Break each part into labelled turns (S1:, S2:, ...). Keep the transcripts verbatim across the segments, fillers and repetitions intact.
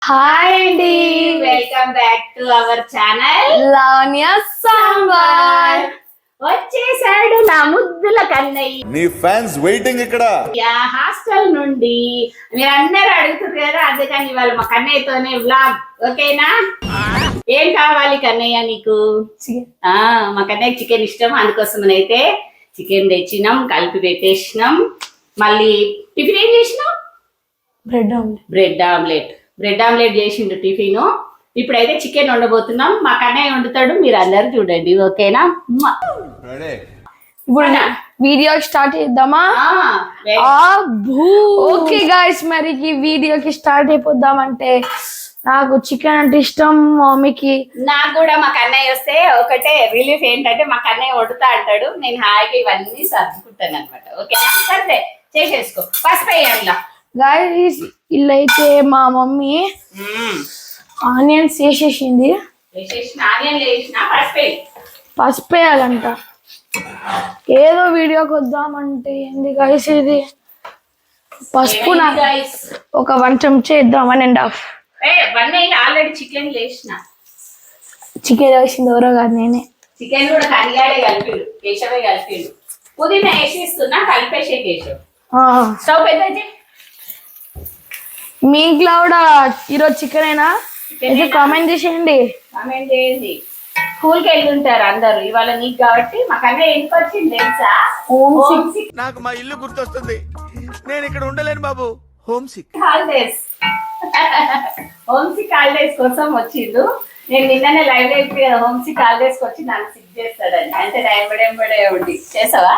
S1: Hi అండి,
S2: welcome back to our channel
S1: Lavanya Sambar.
S2: వచ్చేసాడు నా ముద్దుల కన్నయ్య.
S3: నీ ఫ్యాన్స్ వెయిటింగ్ ఇక్కడ.
S2: హాస్టల్ నుండి మీరందరూ అడుగుతారు కదా, అందుకని ఇవాళ మా కన్నయ్యతోనే వ్లాగ్. ఓకేనా? ఏం కావాలి కన్నయ్య నీకు? ఆ మా కన్నయ్య చికెన్ ఇష్టం, అందుకోసం అయితే చికెన్ తెచ్చినాం, కలిపి పెట్టేసినాం. మళ్ళీ టిఫిన్ ఏం చేసినాం?
S1: Bread omelette.
S2: Bread omelette bread omelette చేసిండు టిఫిన్. ఇప్పుడైతే చికెన్ వండబోతున్నాం. మా కన్నయ్య వండుతాడు, మీరు అందరు చూడండి. ఓకేనా?
S1: ఇప్పుడు వీడియో స్టార్ట్ చేద్దామా? ఓకే గాయ్స్, మరి ఈ వీడియోకి స్టార్ట్ అయిపోద్దామంటే నాకు చికెన్ అంటే ఇష్టం, మమ్మీకి
S2: నాకు కూడా. మా కన్నయ్య వస్తే ఒకటే రిలీఫ్ ఏంటంటే మా కన్నయ్య వండుతా అంటాడు, నేను హాయిగా ఇవన్నీ సర్దుకుంటాను అనమాట. ఓకేనా? సరే చేసేసుకో. పసుపు వేయాలా
S1: గాయ్స్? ఇల్లు అయితే మా మమ్మీ ఆనియన్స్ వేసేసింది. పసుపు వేయాలంట. ఏదో వీడియోకి వద్దామంటే ఏంది గాయ్స్ ఇది? పసుపు ఒక వన్ చెంచా ఇద్దాం, one and half.
S2: Already chicken వేసిన.
S1: చికెన్ వేసింది ఎవరో కాదు, నేనే.
S2: చికెన్ కూడా కడిగాడే కలిపిడు, కేశవే కలిపిడు. పుదీనా వేసిస్తున్నా, కలిపేసే కేశవ్. స్టవ్ పెద్ద.
S1: మీ ఇంట్లో కూడా ఈరోజు చికెన్ అయినా కామెంట్ చేసేయండి.
S2: కామెంట్ చేయండి. స్కూల్కి వెళ్తుంటారు అందరు, ఇవాళ నీకు కాబట్టి. మా కన్నయ్య ఎందుకు వచ్చింది తెలుసా? Home sick.
S3: నాకు మా ఇల్లు గుర్తొస్తుంది, నేను ఇక్కడ ఉండలేను బాబు. Home sick
S2: holidays home sick holidays కోసం వచ్చిండు. నేను నిన్ననే లైవ్ లో చెప్పి కదా, హోమ్ సిక్ హాలిడేస్ కి వచ్చి నన్ను సిక్ చేస్తాడని. అంటే ఎంబడే ఉండి చేసావా?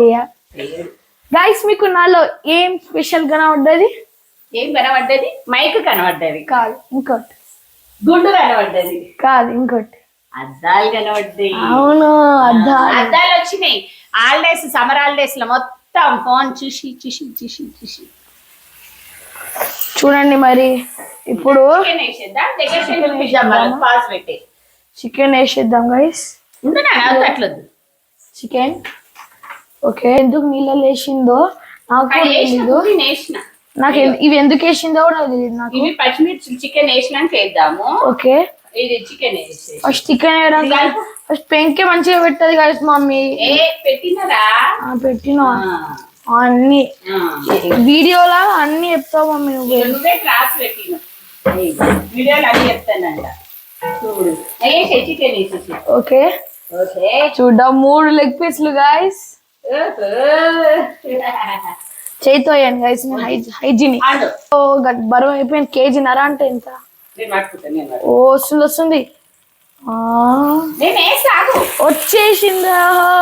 S1: గైస్, మీకు నాలో ఏం స్పెషల్ గా కనబడ్డది?
S2: ఏం కనబడ్డది? మైక్ కనబడ్డది
S1: కాదు, ఇంకోటి.
S2: గుండు కనబడ్డది
S1: కాదు, ఇంకోటి.
S2: అద్దాలు కనబడ్డాయి.
S1: అవును, అద్దాలు
S2: అద్దాలు వచ్చినాయి. హాలిడేస్, సమ్మర్ హాలిడేస్ లో మొత్తం ఫోన్ చూసి చూసి చూసి చూసి
S1: చూడండి. మరి ఇప్పుడు చికెన్ వేసేద్దాం గైస్.
S2: అట్లొద్దు
S1: చికెన్. ఓకే, ఎందుకు నీళ్ళలో వేసిందో నాకు నాకు ఇవి ఎందుకు వేసిందో కూడా తెలియదు నాకు.
S2: ఇవి పచ్చిమిర్చి చికెన్ వేసినాక వేద్దాము.
S1: ఓకే,
S2: ఇది చికెన్
S1: ఫస్ట్ చికెన్ వేయడానికి ఫస్ట్ పెంకే మంచిగా పెట్టదు గైస్ మమ్మీ.
S2: పెట్టినరా?
S1: పెట్టినా అన్ని వీడియోలా అన్ని చెప్తావు మమ్మీ.
S2: నువ్వే క్లాస్ పెట్టిన వీడియోలు అన్ని చెప్తానంట. చూడు చికెన్ వేసేసి.
S1: ఓకే
S2: ఓకే,
S1: చూద్దాం. మూడు లెగ్ పీస్లు గైస్. చేయితో వేయండి గైస్, హైజీన్. బరువు అయిపోయింది, కేజీ నర అంటే ఎంత? ఓ వస్తుంది వస్తుంది వచ్చేసిందా?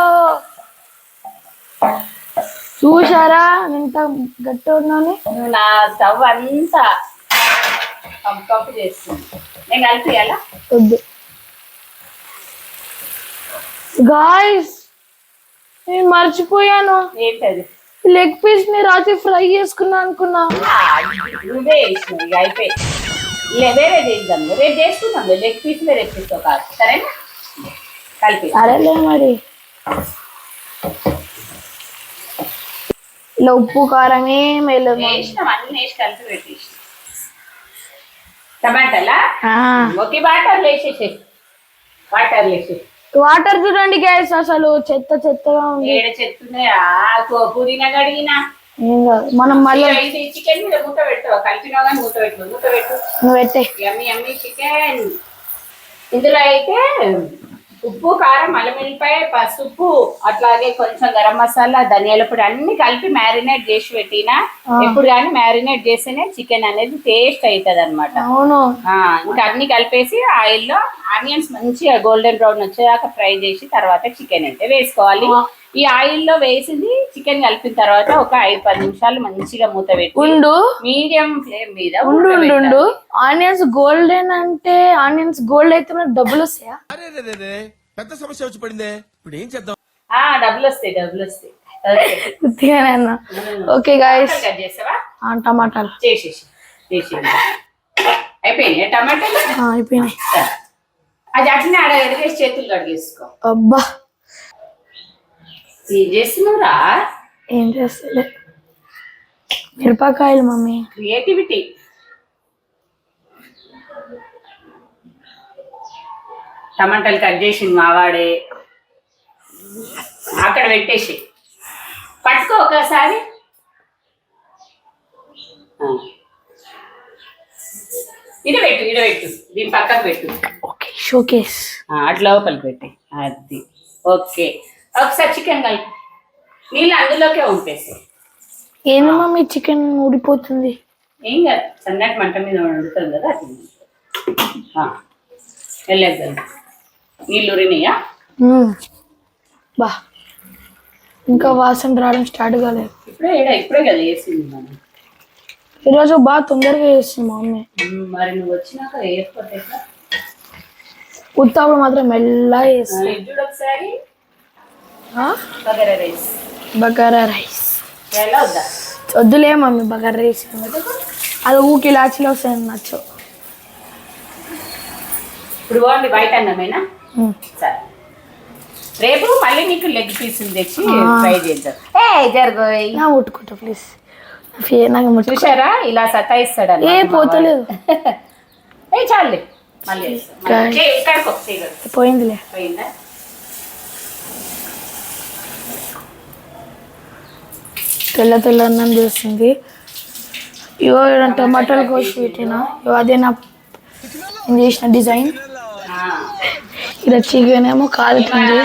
S1: చూసారా ఎంత గట్టి ఉన్నాను?
S2: నా స్టవ్ అంతా కంపు చేస్తుంది. నేను కలిపియాలా?
S1: వద్దు గాయ్స్, నేను మర్చిపోయాను.
S2: ఏంటది?
S1: లెగ్ పీస్ ని రాత్రి ఫ్రై చేసుకున్నా అనుకున్నా.
S2: నువ్వే వేసినావు, అయిపోయి వేరే చేద్దాం. రేపు చేసుకుందాం. లెగ్ పీస్ రేపు తీసుకో కాదు, సరేనా? కలిపి.
S1: సరేలే మరి. ఇలా ఉప్పు కారం ఏం
S2: వేసినాం, అన్ని వేసి కలిపి పెట్టేసి. టమాటాలా? ఓకే, వాటర్ వేసేసి వాటర్ వేసేసి
S1: వాటర్ చూడండి గ్యాస్, అసలు చెత్త చెత్తగా ఉంది.
S2: పుదీనా కడిగినా
S1: మనం మళ్ళీ
S2: చికెన్ మీద మూత పెట్టావా? కలిపినా కానీ మూత పెట్టు, మూత పెట్టు.
S1: నువ్వు పెట్టే.
S2: Yummy yummy chicken. ఇందులో అయితే ఉప్పు, కారం, అల్లం వెల్లిపాయ, పసుపు, అట్లాగే కొంచెం గరం మసాలా, ధనియాల పొడి అన్ని కలిపి మ్యారినేట్ చేసి పెట్టినా. ఎప్పుడు కానీ మ్యారినేట్ చేస్తేనే చికెన్ అనేది టేస్ట్ అవుతుంది అనమాట.
S1: అవును.
S2: ఇంకా అన్ని కలిపేసి ఆయిల్ లో ఆనియన్స్ మంచిగా గోల్డెన్ బ్రౌన్ వచ్చేదాకా ఫ్రై చేసి తర్వాత చికెన్ అంటే వేసుకోవాలి. ఈ ఆయిల్ లో వేసింది చికెన్ కలిపిన తర్వాత ఒక ఐదు పది నిమిషాలు మంచిగా మూత పెట్టి
S1: ఉండు,
S2: మీడియం ఫ్లేమ్ మీద
S1: ఉండు ఉండు. ఆనియన్స్ గోల్డెన్ అంటే ఆనియన్స్ గోల్డ్ అయితే మనకు డబ్బులు వస్తాయా?
S3: పెద్ద సమస్య వచ్చి పడిందే, ఇప్పుడు ఏం చేద్దాం?
S2: ఆ డబ్బులు వస్తాయి, డబ్బులు వస్తాయి.
S1: ఓకే గైస్,
S2: కట్ చేసావా?
S1: టమాటాలు
S2: చేసేసి అయిపోయినాయి. టమాటాలు
S1: అయిపోయినాయి.
S2: అది అట్లనే ఆడ ఎడగేసి చేతులు కడిగేసుకో.
S1: అబ్బా,
S2: ఏం చేస్తున్నావురా?
S1: ఏం చేస్తలే, మిరపకాయలు మమ్మీ.
S2: క్రియేటివిటీ. టమాటాలు కట్ చేసింది మావాడే. అక్కడ పెట్టేసి పట్టుకో ఒకసారి. ఇడ పెట్టు ఇడ పెట్టు దీని పక్కకు పెట్టు.
S1: ఓకే షోకేస్
S2: అటు లోపలికి పెట్టి అది. ఓకే ఒకసారి చికెన్ కలిపి నీళ్ళు అందులోకే ఉంపేసి.
S1: ఏంది మమ్మీ చికెన్ ఊడిపోతుంది?
S2: ఏం కాదు, సన్నటి మంట మీద వండుతుంది కదా అది. వెళ్ళేద్దాం. నీళ్ళు ఉరినాయా?
S1: బా ఇంకా వాసన రావడం స్టార్ట్ కాలేదు.
S2: ఇప్పుడే ఇప్పుడే కదా వేసింది మనం.
S1: ఈరోజు బాగా తొందరగా వేస్తుంది మా మమ్మీ.
S2: మరి నువ్వు వచ్చినాక వేసుకోతే
S1: ఉత్తప్పుడు మాత్రం మెల్లగా వేస్తుంది.
S2: చూడు ఒకసారి బగారా రైస్.
S1: బగారా రైస్
S2: ఎలా వద్దా?
S1: వద్దులే మమ్మీ బగారా రైస్. అది ఊకి ఇలాచీలో వస్తాయి నచ్చు.
S2: ఇప్పుడు బాగుంది బయట అన్నమేనా? సరే రేపు మళ్ళీ నీకు లెగ్ పీసులు తెచ్చి ఫ్రై చేద్దాం. ఏ జరగోయ్
S1: నా ముట్టుకుంటా ప్లీజ్. నాకు
S2: చూసారా ఇలా సతాయిస్తాడు.
S1: ఏ పోతలేదు.
S2: ఏ చాలే మళ్ళీ
S1: పోయిందిలే.
S2: పోయిందా?
S1: తెల్ల తెల్ల అన్నం చేస్తుంది. ఇవో టమాటాలు కోసి పెట్టినా. ఇవో అదే నా నేను చేసిన డిజైన్. ఇలా చికెన్ ఏమో కాలుతుంది.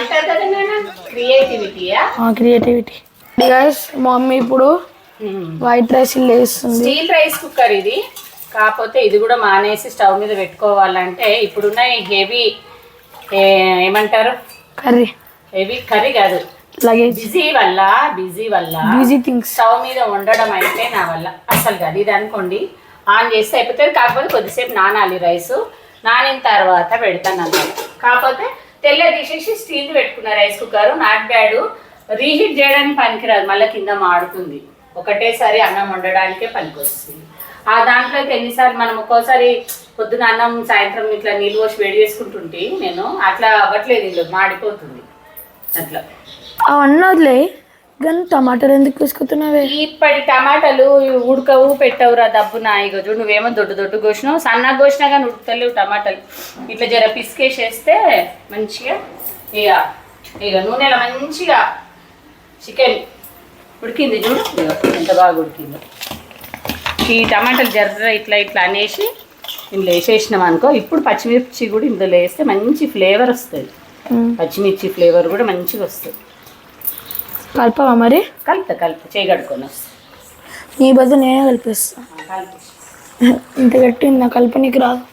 S1: క్రియేటివిటీ. మా మమ్మీ ఇప్పుడు వైట్ రైస్ వేస్తుంది.
S2: స్టీల్ రైస్ కుక్కర్ ఇది. కాకపోతే ఇది కూడా మానేసి స్టవ్ మీద పెట్టుకోవాలంటే ఇప్పుడున్న హెవీ ఏమంటారు
S1: కర్రీ.
S2: హెవీ కర్రీ కాదు, బిజీ వల్ల బిజీ వల్ల
S1: బిజీ థింగ్స్
S2: స్టవ్ మీద వండడం అయితే నా వల్ల అసలు కాదు. ఇది అనుకోండి ఆన్ చేస్తే అయిపోతుంది. కాకపోతే కొద్దిసేపు నానాలి రైస్. నానిన తర్వాత పెడతాను అన్నమాట. కాకపోతే తెల్ల తీసేసి స్టీల్ పెట్టుకున్న rice cooker not bad. Reheat చేయడానికి పనికిరాదు, మళ్ళీ కింద మాడుతుంది. ఒకటేసారి అన్నం వండడానికే పనికి వస్తుంది. ఆ దాంట్లోకి ఎన్నిసార్లు మనం ఒక్కోసారి పొద్దున అన్నం సాయంత్రం ఇట్లా నీళ్ళు పోసి వేడి చేసుకుంటుంటే నేను అట్లా అవ్వట్లేదు, ఇల్లు మాడిపోతుంది అట్లా.
S1: అవన్నీ వదిలే కానీ టమాటాలు ఎందుకు వేసుకుతున్నావే?
S2: ఇప్పటి టమాటాలు ఉడకవు పెట్టవురా దబ్బున. ఇగో చూడు నువ్వేమో దొడ్డు దొడ్డు కోసినావు, సన్నగా కోసినా కానీ ఉడకలేవు టమాటాలు. ఇట్లా జర పిసికేసేస్తే మంచిగా ఇక ఇక నూనెలో మంచిగా చికెన్ ఉడికింది. చూడు ఎంత బాగా ఉడికిందో. ఈ టమాటాలు జర్ర ఇట్లా ఇట్లా అనేసి ఇందులో వేసేసినాం అనుకో. ఇప్పుడు పచ్చిమిర్చి కూడా ఇందులో వేస్తే మంచి ఫ్లేవర్ వస్తుంది. పచ్చిమిర్చి ఫ్లేవర్ కూడా మంచిగా వస్తుంది.
S1: కలపవా మరి?
S2: కలుపుతా కలుపు చేయగడుకొని వస్తా.
S1: నీ బదులు నేనే కలిపిస్తా. ఇంత గట్టి నా కల్పనకి రాదు.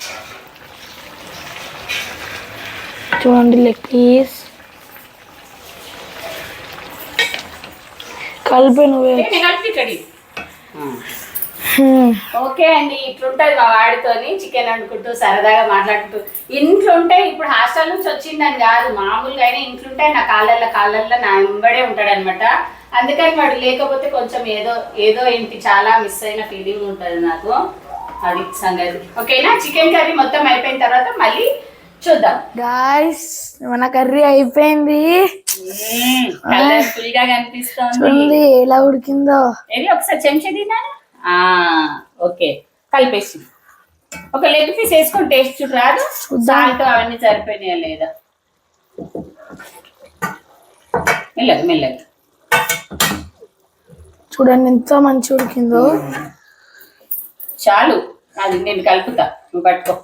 S1: చూడండి లెగ్ పీస్ కలిపి నువ్వే.
S2: ఓకే అండి, ఇట్లుంటది మా వాడితోని చికెన్ వండుకుంటూ సరదాగా మాట్లాడుకుంటూ. ఇంట్లో ఉంటే ఇప్పుడు హాస్టల్ నుంచి వచ్చిందని కాదు, మామూలుగా అయినా ఇంట్లుంటే నా కాళ్ళల్లో కాళ్ళల్లో నా వెంబడే ఉంటాడు అనమాట. అందుకని వాడు లేకపోతే కొంచెం ఏదో ఏదో ఏంటి చాలా మిస్ అయిన ఫీలింగ్ ఉంటుంది నాకు. అది సంగతి. ఓకేనా? చికెన్ కర్రీ మొత్తం అయిపోయిన తర్వాత మళ్ళీ చూద్దాం.
S1: గాయ్స్ మన కర్రీ అయిపోయింది.
S2: కలర్ఫుల్ గా కనిపిస్తుంది.
S1: ఎలా ఉడికిందో
S2: ఏది ఒకసారి చెంచా తిన్నాను. ఓకే కలిపేసి ఒక లెగ్ పీస్ వేసుకొని టేస్ట్ చూడు రాదు. సాల్ట్ అవన్నీ సరిపోయినాయా లేదా? మెల్లగా మెల్లగా
S1: చూడండి ఎంత మంచి ఉడికిందో.
S2: చాలు, అది నేను కలుపుతా, నువ్వు పట్టుకో.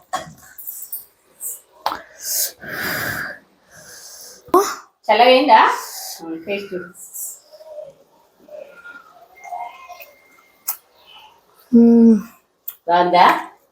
S2: చల్లగైందా? టేస్ట్ బాగుందా?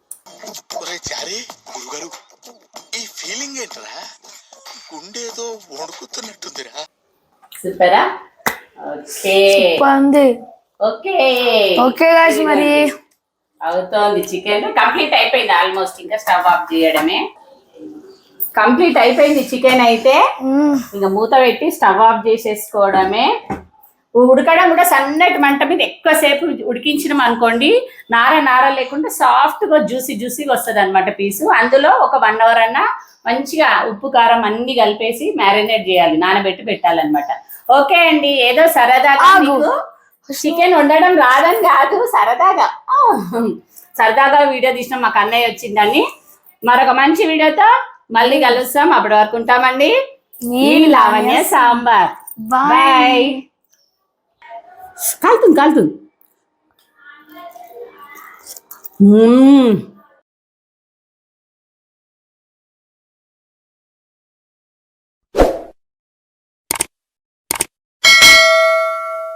S3: గురుగారు ఈ ఫీలింగ్ ఏంట్రా? గుండేదో వణుకుతున్నట్టుందిరా.
S2: సూపరా? ఓకే ఓకే
S1: ఓకే గాయ్స్ మరి
S2: అవుతోంది. చికెన్ కంప్లీట్ అయిపోయింది ఆల్మోస్ట్. ఇంకా స్టవ్ ఆఫ్ చేయడమే. కంప్లీట్ అయిపోయింది చికెన్ అయితే. ఇంకా మూత పెట్టి స్టవ్ ఆఫ్ చేసేసుకోవడమే. ఉడకడం కూడా సన్నటి మంట మీద ఎక్కువసేపు ఉడికించినాం అనుకోండి, నార నార లేకుండా సాఫ్ట్గా జ్యూసీ జ్యూసీగా వస్తుంది అనమాట పీసు. అందులో ఒక వన్ అవర్ అన్నా మంచిగా ఉప్పు కారం అన్ని కలిపేసి మ్యారినేట్ చేయాలి, నానబెట్టి పెట్టాలన్నమాట. ఓకే అండి, ఏదో సరదాగా చికెన్ వండడం రాదని కాదు, సరదాగా సరదాగా వీడియో తీసిన మాకు అన్నయ్య వచ్చిందని. మరొక మంచి వీడియోతో మళ్ళీ కలుస్తాం. అప్పటి వరకు ఉంటామండి. మీ లావణ్య సాంబార్. బాయ్. కాలుతుంది కాలుతుంది.